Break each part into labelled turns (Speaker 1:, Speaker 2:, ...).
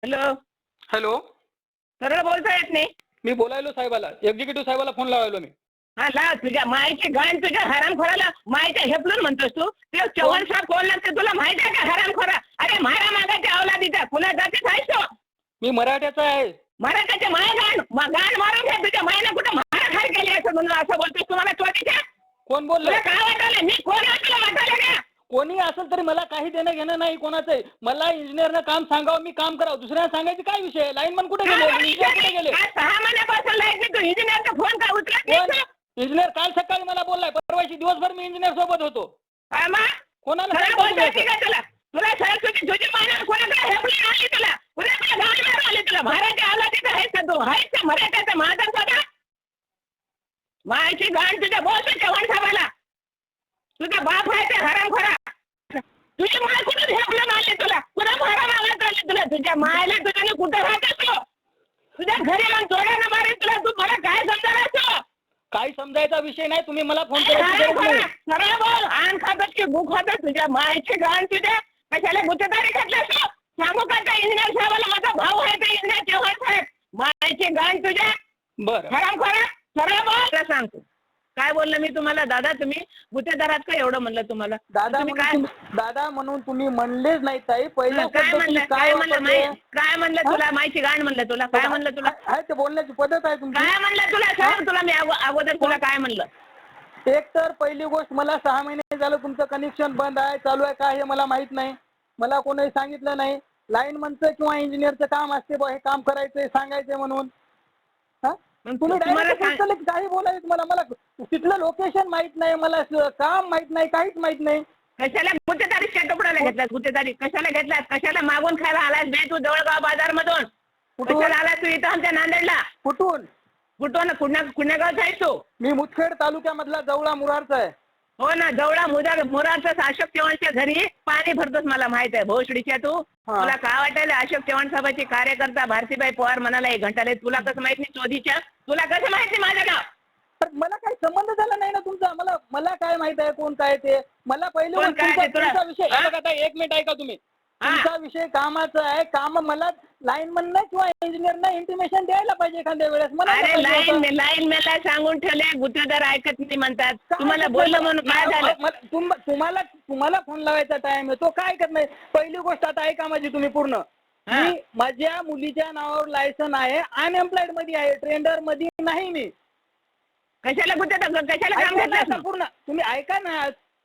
Speaker 1: Hello.
Speaker 2: Hello.
Speaker 1: सरळ बोलता येत नाही.
Speaker 2: मी बोलायलो साहेबाला, एक्झिक्युटिव्ह साहेबाला फोन लावायलो मी.
Speaker 1: हा लाव तुझ्या मायची गाण तुझ्या हरामखोराला मायच्या हेपलून म्हणतोस तू. ते चव्हाण साहेब कोण लागते तुला माहित आहे का हरामखोरा? अरे मारा मागाच्या अवलादीचा कुणा जातीच आहेस तो?
Speaker 2: मी मराठ्याचा आहे.
Speaker 1: मराठाच्या माय गाण मारून घ्या तुझ्या मायने कुठं मारा खाय केली असं म्हणून असं बोलतोस तुम्हाला चोरीच्या?
Speaker 2: कोण बोललो?
Speaker 1: तुला काय वाटायला मी कोण आहे तुला वाटायला का?
Speaker 2: कोणी असेल तरी मला काही देणं घेणं नाही कोणाचंही. मला इंजिनियरनं काम सांगावं, मी काम करावं. दुसऱ्याला सांगायची काय विषय? लाईनमन कुठे गेले? इंजिनियर कुठे गेले?
Speaker 1: 6 महिन्यापासून लाईट तू इंजिनियरचा फोन का उचलत नाही
Speaker 2: कोण?
Speaker 1: तू?
Speaker 2: इंजिनियर काल सकाळी मला बोललाय, परवाशी दिवसभर मी इंजिनियर सोबत होतो.
Speaker 1: हा मग?
Speaker 2: कोणाला
Speaker 1: सरळ
Speaker 2: सांगतो
Speaker 1: बोलता
Speaker 2: तुम्ही
Speaker 1: येते
Speaker 2: असं?
Speaker 1: का तुला? तुला सरळ तुझी मायने कोणाकडे हेपली आणली तुला? कुणाकडे गाण मारून आली तुला? महाराजा अवलादीचा आहेस का तू? आहेस का मराठ्याचा महाजन स्वतः? मायची गाण तुझ्या बोल तू चव्हाण साहेबाला. तुझा बाप आहे ते हरामखोरा. तुझी माय कुठून हेपलं आणली तुला? कुणा मारा मागत आली तुला? तुझ्या मायला तुझ्याने कुठं राहत असतो? तुझ्या घरी येऊन जोड्यानं मारेल तुला. तू मला काय समजायला असतो?
Speaker 2: काही समजायचा विषय नाही. तुम्ही मला फोन करायची गरज नाही.
Speaker 1: सरळ बोल. आण खातच की भूक खातच तुझ्या मायची गाण तुझ्या कशाला गुत्तेदारी घातलास तू? सांगू का त्या इंजिनियर साहेबाला माझा भाऊ आहे ते इंजिनियर चव्हाण साहेब. मायची गाण तुझ्या
Speaker 2: बरं.
Speaker 1: हरामखोरा. सरळ बोल. सांगतो काय बोललं मी तुम्हाला? दादा तुम्ही गुत्तेदारात का एवढं म्हणलं तुम्हाला?
Speaker 2: दादा
Speaker 1: तुम्ही काय
Speaker 2: दादा म्हणून तुम्ही म्हणलेच नाही ताई. पहिला
Speaker 1: काय
Speaker 2: शब्द तुम्ही
Speaker 1: म्हणलं?
Speaker 2: काय
Speaker 1: काय म्हणलं?
Speaker 2: वापरले?
Speaker 1: काय म्हणलं तुला? मायची गाण म्हणलं तुला? काय म्हणलं तुला?
Speaker 2: आहे ते बोलण्याची पद्धत आहे तुमची.
Speaker 1: काय म्हणलं तुला? सांग तुला मी अगोदर तुला काय म्हणलं?
Speaker 2: एक तर पहिली गोष्ट, मला 6 महिने झालं तुमचं कनेक्शन बंद आहे, चालू आहे का हे मला माहित नाही. मला कोणी सांगितलं नाही. लाईनमनचं किंवा इंजिनियरचं काम असते बा, हे काम करायचंय सांगायचंय म्हणून. हा तुम्ही डायरेक्ट काही बोलायचं मला तिथलं लोकेशन माहित नाही, मला काम माहित नाही, काहीच माहित नाही.
Speaker 1: कशाला गुत्तेदारी शेटोपडाला घेतलास? गुत्तेदारी कशाला घेतलास? कशाला मागून खायला आलास बे तू जवळगाव बाजार मधून? कशाला आलास तू इथं आमच्या नांदेडला?
Speaker 2: कुठून?
Speaker 1: कुठून? कुण्या गावचा आहेस तू?
Speaker 2: मी मुदखेड तालुक्यामधला जवळा मुरारचा आहे.
Speaker 1: हो ना, जवळा मुरारचा अशोक चव्हाणच्या घरी पाणी भरतोस मला माहित आहे. भोसडीच्या तू तुला काय वाटायला? अशोक चव्हाण साहेबाची कार्यकर्ता भारतीबाई पवार म्हणाला 1 घंटा तुला कसं माहित नाही? चोधीच्या तुला कसं माहिती माझं नाव?
Speaker 2: मला काही संबंध झाला नाही ना तुमचा. मला काय माहित आहे कोण काय ते? मला पहिले तुमचा विषय बघा. 1 मिनिट ऐका तुम्ही. तुमचा विषय कामाचा आहे. काम मला लाईनमन किंवा इंजिनियरना इंटिमेशन द्यायला पाहिजे एखाद्या वेळेस.
Speaker 1: अरे लाईन मेला सांगून ठेवले गुत्तेदार ऐकत नाही म्हणतात. तुम्हाला बोललं म्हणून काय झालं?
Speaker 2: तुम्हाला फोन लावायचा टाइम आहे, तो काय करत नाही. पहिली गोष्ट आता ऐका माझी तुम्ही पूर्ण. मी माझ्या मुलीच्या नावावर लायसन आहे, अनएम्प्लॉयड मध्ये आहे, ट्रेंडर मध्ये नाही. मी
Speaker 1: कशाला गुत्तेदार कशाला काम घेतलं?
Speaker 2: पूर्ण तुम्ही ऐका ना.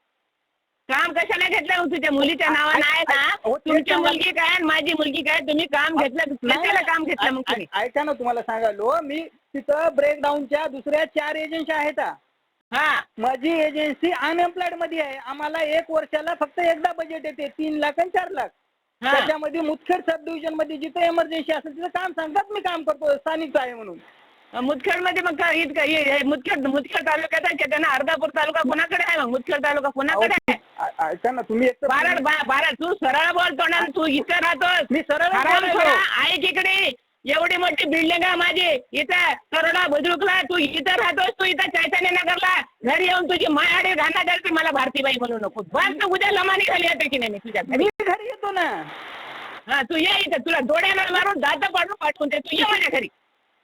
Speaker 1: काम कशाला घेतलं? तुझ्या मुलीच्या नावानं आहे का? तुमची मुलगी काय माझी मुलगी काय? तुम्ही काम घेतलं? कशाला काम घेतलं मग तुम्ही?
Speaker 2: ऐका ना, तुम्हाला सांगायलो मी तिथं ब्रेकडाऊनच्या दुसऱ्या 4 एजन्सी आहेत. माझी एजन्सी अनएम्प्लॉयड मध्ये आहे. आम्हाला 1 वर्षाला फक्त एकदा बजेट येते, 3 लाख आणि 4 लाख. त्याच्यामध्ये मुदखेड सब डिव्हिजन मध्ये जिथे इमर्जन्सी असेल तिथं काम सांगतात. मी काम करतो, स्थानिक आहे म्हणून.
Speaker 1: मुदखेड मध्ये मग मुदखेड तालुक्यात आहे का? त्यांना अर्धापूर तालुका कोणाकडे आहे? मग मुदखेड तालुका कोणाकडे आहे?
Speaker 2: ऐका ना तुम्ही.
Speaker 1: बारा तू सरळ बोलतो ना. तू इथं राहतोस.
Speaker 2: मी सरळ
Speaker 1: ऐक इकडे. एवढी मोठी बिल्डिंग आहे माझी इथं करोडा बुद्रुकला. तू इथं राहतोस. तू इथं चैतन्य नगरला घरी येऊन तुझी मायाडे घालणार की मला भारतीबाई म्हणू नको. बस तू उद्या लमानी खाली येते की नाही? मी तुझ्या
Speaker 2: घरी येतो ना.
Speaker 1: तू ये इथं. तुला डोळ्याला मारून दात पाठवून ते तू ये माझ्या घरी.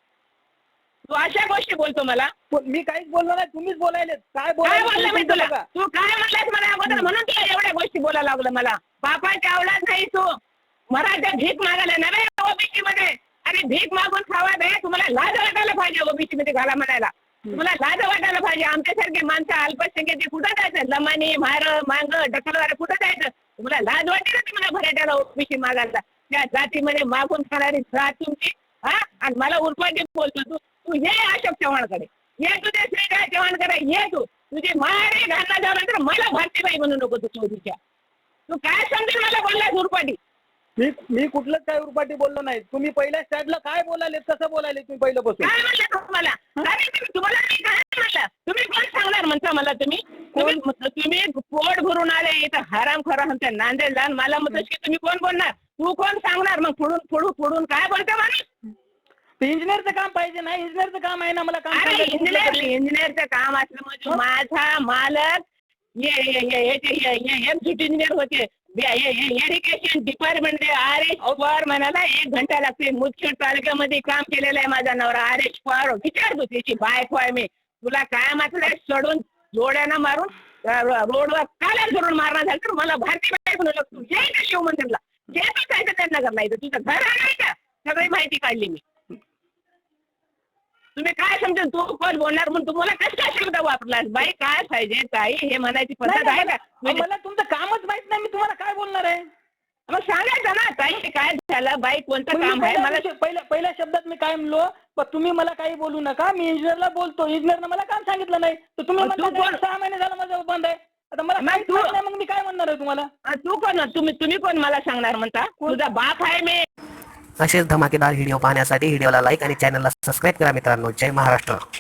Speaker 1: तू अशा गोष्टी बोलतो मला?
Speaker 2: मी काहीच बोललो नाही, तुम्हीच बोलायले. काय
Speaker 1: बोललं मी तुला? तू काय म्हणलास मला अगोदर म्हणून तुला एवढ्या गोष्टी बोलायला लागलं मला? बापाच्या अवलाद नाही तू. मराठा भीक मागायला नव्हे ओबीसी मध्ये. अरे भीक मागून खावा दे. तुम्हाला लाज वाटायला पाहिजे ओबीसी मध्ये घाला म्हणायला. तुम्हाला लाज वाटायला पाहिजे. आमच्यासारखे माणसं अल्पसंख्येचे कुठं जायचं? लमानी मार मांग ढकलवारे कुठं जायचं? तुम्हाला लाज वाटेल ना तुम्हाला भराट्याला ओबीसी मागायला? त्या जातीमध्ये मागून खाणारी जात तुमची. आणि मला उरपाटी बोलतो तू. तू ये अशोक चव्हाणकडे ये. तुझे श्रीकाय चव्हाणकडे ये. तुझी मारे घालला जाणार तर मला भारतीबाई म्हणू नको तू चौधरीच्या. तू काय समजेल मला बोललास उरपाटी?
Speaker 2: मी कुठलंच काय उरपाटी बोललो नाही. तुम्ही पहिल्या स्टॅटला काय बोलाले, कसं बोलाले तुम्ही पहिल्यापासून?
Speaker 1: काय म्हणलं तुम्हाला? तुम्हाला मी काय म्हणलं? तुम्ही कोण सांगणार म्हणता मला? तुम्ही पोट भरून आले इथं हरामखोरा आमच्या नांदेडला. मला म्हणतोस की तुम्ही कोण बोलणार? तू कोण सांगणार? मग फोडून काय बोलतो माणूस?
Speaker 2: इंजिनियरचं काम पाहिजे नाही. इंजिनियरचं काम आहे ना मला काम.
Speaker 1: इंजिनियरचं काम असलं म्हणजे माझा मालक एक्झिक्युटिव्ह इंजिनियर होते. एज्युकेशन डिपार्टमेंट RH पवार म्हणाला 1 घंटा लागते. मुदखेड तालुक्यामध्ये काम केलेलं आहे माझा नवरा RH पवार. विचार तू त्याची बायको आहे मी. तुला काय मात्र सोडून जोड्यानं मारून रोडवर काला करून मारणार झालं तर मला भारतीय बायको लागतो. जे का शिवमंदिरला जे काय त्यांना करणार तुझं घर आहे का सगळी माहिती काढली मी. तुम्ही काय समजेल तू कोण बोलणार म्हणून तुम्हाला कशा शब्द वापरलास बाई काय पाहिजे ताई हे म्हणायची पद्धत आहे का.
Speaker 2: मला तुमचं कामच माहित नाही मी तुम्हाला काय बोलणार आहे.
Speaker 1: मग सांगायचं ना ताई काय झालं बाई कोणतं काम आहे मला.
Speaker 2: पहिल्या शब्दात मी काय म्हणलो पण तुम्ही मला काही बोलू नका. मी इंजिनियरला बोलतो. इंजिनियरनं मला काम सांगितलं नाही तर तुम्ही 6 महिने झालं माझं बंद आहे. आता मला मग मी काय म्हणणार आहे तुम्हाला.
Speaker 1: तू कोण तुम्ही कोण मला सांगणार म्हणता. तुझा बाप आहे मी.
Speaker 3: असेच धमाकेदार व्हिडिओ पाहण्यासाठी व्हिडिओला लाईक आणि चॅनलला सबस्क्राईब करा मित्रांनो. जय महाराष्ट्र.